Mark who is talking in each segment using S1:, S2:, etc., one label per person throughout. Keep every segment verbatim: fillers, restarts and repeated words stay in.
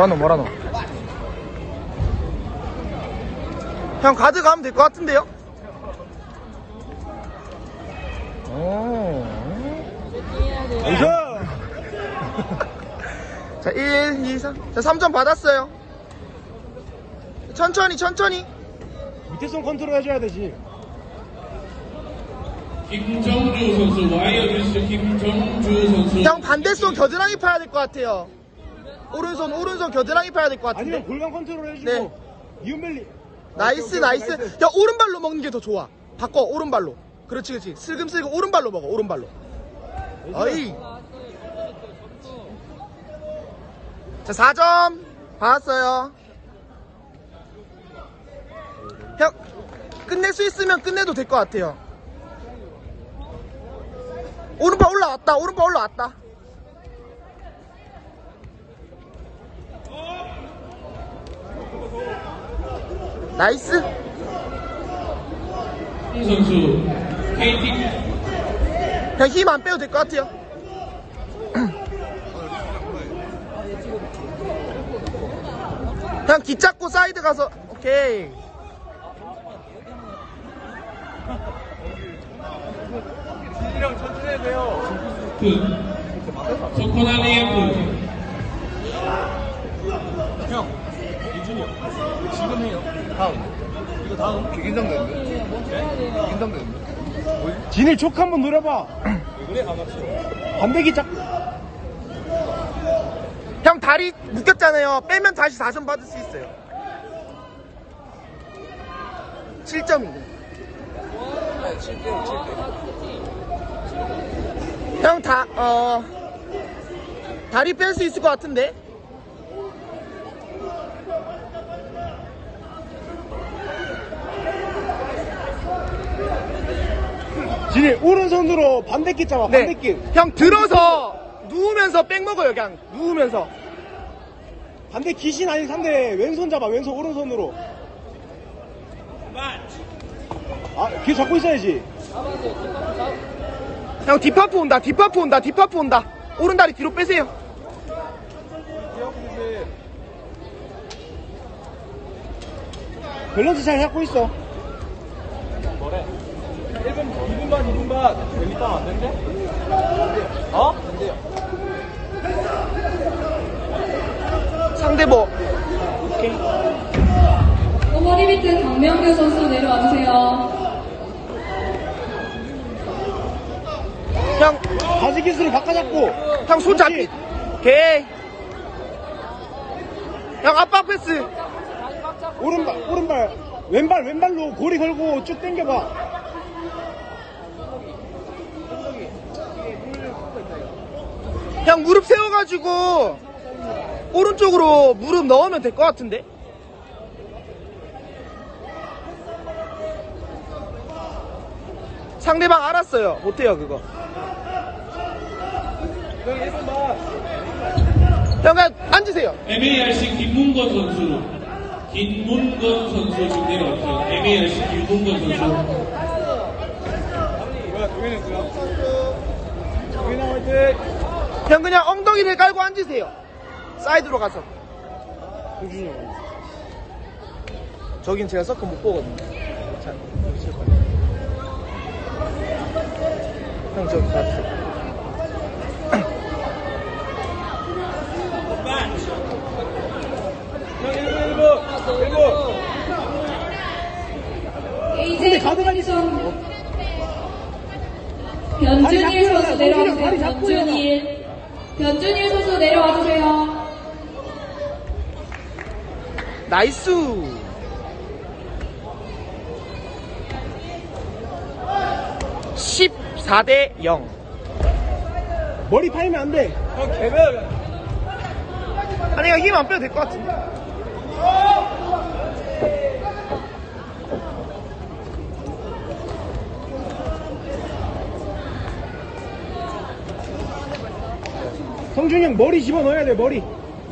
S1: 뭐라노 뭐라노. 형 가드 가면 될 것 같은데요? 오. 자, 일, 이, 삼. 자, 삼 점 받았어요. 천천히, 천천히.
S2: 밑에 손 컨트롤 해줘야 되지.
S3: 김정주 선수, 와이어리스 김정주 선수.
S1: 형 반대손 겨드랑이 파야 될 것 같아요. 오른손, 오른손 겨드랑이 파야 될 것 같은데.
S2: 아니면 골반 컨트롤 해주고.
S1: 네.
S2: 이은벨리.
S1: 나이스,
S2: 오케이, 오케이,
S1: 나이스.
S2: 나이스.
S1: 야, 오른발로 먹는 게 더 좋아. 바꿔, 오른발로. 그렇지, 그렇지. 슬금슬금 오른발로 먹어, 오른발로. 어이. 자, 사 점 받았어요. 형, 끝낼 수 있으면 끝내도 될 것 같아요. 오른발 올라왔다, 오른발 올라왔다. 나이스.
S3: 홍 선수, 케이티.
S1: 그냥 힘 안 빼도 될 것 같아요. 그냥 기 잡고 사이드 가서. 오케이.
S2: 진이랑 천천히 해야 돼요.
S3: 그, 소코날리에프.
S2: 형, 이준이 형. 지금 해요. 다음. 이거 다음. 긴장되는데? 네? 긴장되는데? 진일 촉 한번 노려봐. 왜 그래? 안 맞죠? 반대기 짝.
S1: 형 다리 묶였잖아요. 빼면 다시 사 점 받을 수 있어요. 칠 점인데. 형 다, 어, 다리 뺄 수 있을 것 같은데?
S2: 진일 오른손으로 반대기 잡아.
S1: 네.
S2: 반대기.
S1: 형 들어서 누우면서 백 먹어요. 그냥 누우면서.
S2: 반대 기신 아닌 상대 왼손 잡아. 왼손 오른손으로. 아, 귀 잡고 있어야지.
S1: 형 뒷파프 온다. 뒷파프 온다. 뒷파프 온다. 오른다리 뒤로 빼세요.
S2: 밸런스 잘 잡고 있어. 뭐래? 일 분, 이 분 반, 이 분 반. 재밌다, 안 된대? 어? 안 돼요.
S1: 상대보. 오케이.
S4: 머리 밑에 강명규 선수 내려와주세요.
S1: 형,
S2: 바지 기술을 바꿔잡고.
S1: 형 손 잡기. 오케이. 형 압박 패스.
S2: 오른발, 오른발. 왼발, 왼발로 고리 걸고 쭉 당겨봐.
S1: 형 무릎 세워가지고 오른쪽으로 무릎 넣으면 될 것 같은데? 상대방 알았어요. 못해요 그거. 형 그냥 앉으세요.
S3: 엠에이알씨 김문건 선수. 김문건 선수 지금 내려왔어요. 엠에이알씨 김문건 선수.
S2: 뭐야, 동현이 누구야? 동현이 화이팅!
S1: 형 그냥 엉덩이를 깔고 앉으세요. 사이드로 가서.
S2: 동준이 형.
S1: 저긴 제가 서클 못 보거든요. 자, 여기 칠 거예요. 형 저기 가주세요.
S4: 에이제이 컨디션 변준일 선수 내려와주세요. 변준일. 변준일 선수 내려와주세요.
S1: 나이스. 십사 대 영.
S2: 머리 파이면 안 돼. 형, 개별.
S1: 아니 이거 힘 안 빼도 될 것 같은데.
S2: 성준이 형 머리 집어넣어야 돼, 머리.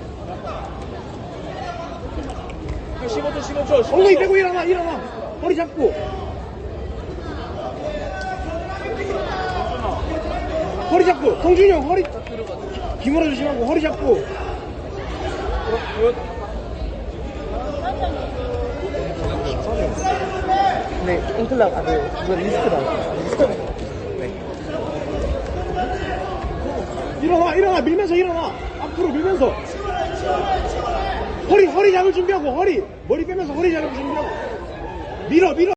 S2: 십오 초, 십오 초. 엉덩이 빼고 일어나, 일어나. 허리 잡고. 허리 잡고. 성준이 형 허리. 기물어 조심하고 허리 잡고.
S1: 네, 인클락, 아, 네, 그거 리스트다. 리스트네.
S2: 일어나, 일어나, 밀면서 일어나. 앞으로 밀면서. 허리, 허리 잡을 준비하고, 허리. 머리 빼면서 허리 잡을 준비하고. 밀어, 밀어.